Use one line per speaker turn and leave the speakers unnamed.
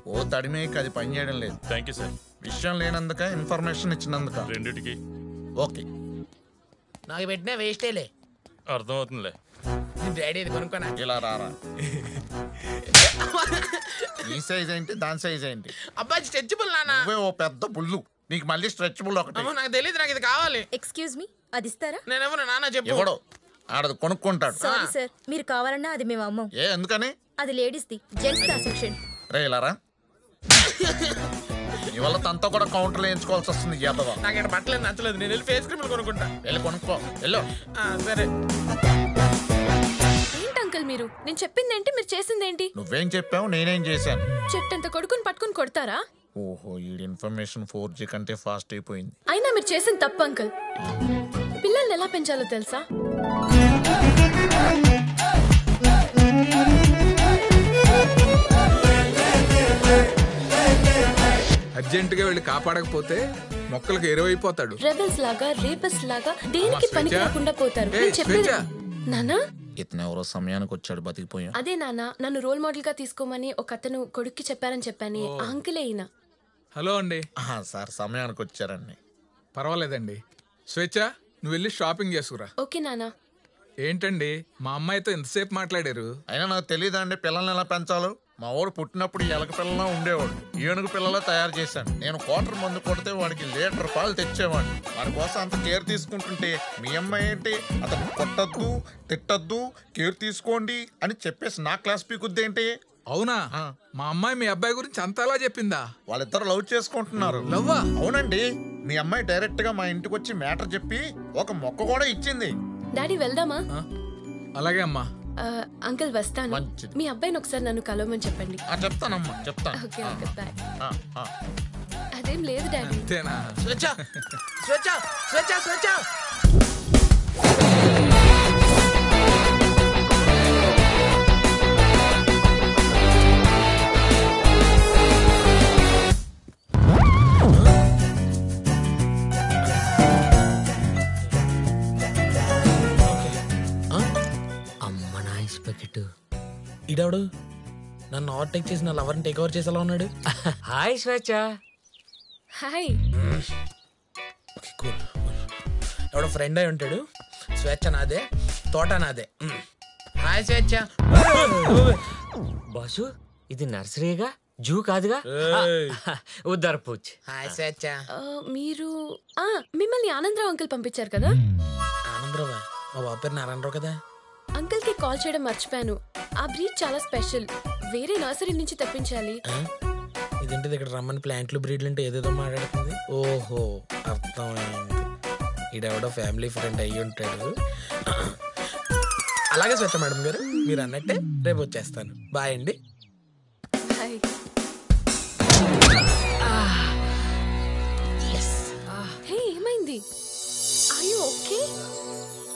ఓ తడిమేకి అది పని చేయడం లేదు.
Thank you sir.
విషయం లేనందుక ఇన్ఫర్మేషన్ ఇచ్చినందుక
రెండిటికి
ఓకే.
నాకు పెట్టినా వేస్టేలే.
అర్థమవుతుందిలే.
డాడీ ఇది కొనుక్కోనా?
ఇలా రారా. ఈ సైజ్ ఏంటి దాని సైజ్ ఏంటి?
అబ్బాయి స్ట్రెచబుల్ నాన్న.
నువ్వే ఓ పెద్ద బుల్లు, నీకు మళ్ళీ స్ట్రెచబుల్ ఒకటి.
అమ్మో నాకు తెలియదు, నాకు ఇది కావాలి.
ఎక్స్క్యూజ్ మీ, అది ఇస్తారా?
నేనెవరు నాన్న చెప్పు.
ఎవడో ఆడది కొనుక్కుంటాడు.
సారీ సార్, మీరు కావాలన్నా అది మేము అమ్మం.
ఏ ఎందుకని?
అది లేడీస్ది, జెంట్స్ దా సెక్షన్.
రే ఇలా రా. ఇవాళ తనతో కూడా కౌంటర్లు వేయించుకోవాల్సి వస్తుంది. యాదవ
నాకు ఇక్కడ బట్టలేదు నచ్చలేదు, నేను వెళ్ళి ఫేస్ క్రీమ్లు కొనుక్కుంటా.
వెళ్ళి కొనుక్కో వెళ్ళు.
సరే.
ఏంటి అంకుల్ మీరు? నేను చెప్పింది ఏంటి, మీరు చేసింది ఏంటి?
నువ్వేం చెప్పావు నేనేం చేశాను?
చెట్టంత కొడుకుని పట్టుకుని కొడతారా?
ఓహో ఈ ఇన్ఫర్మేషన్ 4G కంటే ఫాస్ట్ అయిపోయింది.
అయినా మీరు చేసిన తప్పు అంకుల్. పిల్లల్ని ఎలా పెంచాలో తెలుసా?
అర్జెంటుగా వెళ్ళి కాపాడకపోతే మొక్కలకు ఎరువైపోతాడు.
రెబెల్స్ లాగా, రేపస్ లాగా దేనికి పనికి రాకుండా పోతారు. నేను చెప్పేది నానా.
ఇతను ఎవరో సమయానికి వచ్చాడు, బతికిపోయాం.
అదే నాన్న, నన్ను రోల్ మోడల్ గా తీసుకోమని ఒక అతను కొడుక్కి చెప్పారని చెప్పాను. ఆ అంకులే అయినా.
హలో అండి.
సార్ సమయానికి వచ్చారండి.
పర్వాలేదండి. స్వేచ్ఛ, నువ్వు వెళ్ళి షాపింగ్ చేసుకురా.
ఓకే నానా.
ఏంటండి మా అమ్మాయితో ఎంతసేపు మాట్లాడారు?
అయినా నాకు తెలియదండి పిల్లల్ని ఎలా పెంచాలో. మా వాడు పుట్టినప్పుడు ఎలక పిల్లలా ఉండేవాడు, ఏనుగు పిల్లలా తయారు చేశాను. నేను క్వార్టర్ మందు కొడితే వాడికి లీటర్ పాలు తెచ్చేవాడిని. వాడి కోసం అంత కేర్ తీసుకుంటుంటే మీ అమ్మాయి ఏంటి అతను కొట్టద్దు తిట్టద్దు కేర్ తీసుకోండి అని చెప్పేసి నా క్లాస్ పీకుద్దేంటి?
అవునా? మా అమ్మాయి మీ అబ్బాయి గురించి అంతలా చెప్పిందా?
వాళ్ళిద్దరు లవ్ చేసుకుంటున్నారు.
లవ్వా?
అవునండి. మీ అమ్మాయి డైరెక్ట్ గా మా ఇంటికి వచ్చి మ్యాటర్ చెప్పి ఒక మొక్క కూడా ఇచ్చింది.
డాడీ వెళ్దామా?
అలాగే అమ్మా.
అంకుల్ వస్తాను.
మంచిది.
మీ అబ్బాయిని ఒకసారి నన్ను కలవమని చెప్పండి.
చెప్తానమ్మా చెప్తాను.
Okay okay bye.
ఆ.
అదేం లేదు డాడీ.
అంతేనా?
స్వేచ్ఛ స్వేచ్ఛ స్వేచ్ఛ స్వేచ్ఛ. ఇడాడు నన్ను ఓవర్టేక్ చేసి నా లవర్ని టేక్ ఓవర్ చేసేలా ఉన్నాడు.
హాయ్ స్వేచ్ఛ.
హాయ్.
ఎవడో ఫ్రెండ్ అయి ఉంటాడు. స్వేచ్ఛ నాదే, తోట నాదే. హాయ్ స్వేచ్ఛ.
బాసు ఇది నర్సరీగా, జూ కాదుగా. ఉద్దర్ పూచ్.
హాయ్ స్వేచ్ఛ.
మీరు మిమ్మల్ని ఆనందరావు అంకుల్ పంపించారు కదా?
ఆనందరావా? మా బాబు పేరు నారాయణరావు కదా.
అంకుల్ కి కాల్ చేయడం మర్చిపోయాను. ఆ బ్రీడ్ చాలా స్పెషల్, వేరే నర్సరీ నుంచి తెప్పించాలి.
ఇదేంటిది ఇక్కడ రమ్మని ప్లాంట్లు బ్రీడ్లు అంటే ఏదేదో మాట్లాడుతుంది. ఓహో అర్థమైంది, ఈడెవడో ఫ్యామిలీ ఫ్రెండ్ అయ్యి ఉంటాడు. అలాగే స్వచ్ఛ మేడం గారు, మీరు అన్నట్టే రేపు వచ్చేస్తాను. బాయ్ అండి.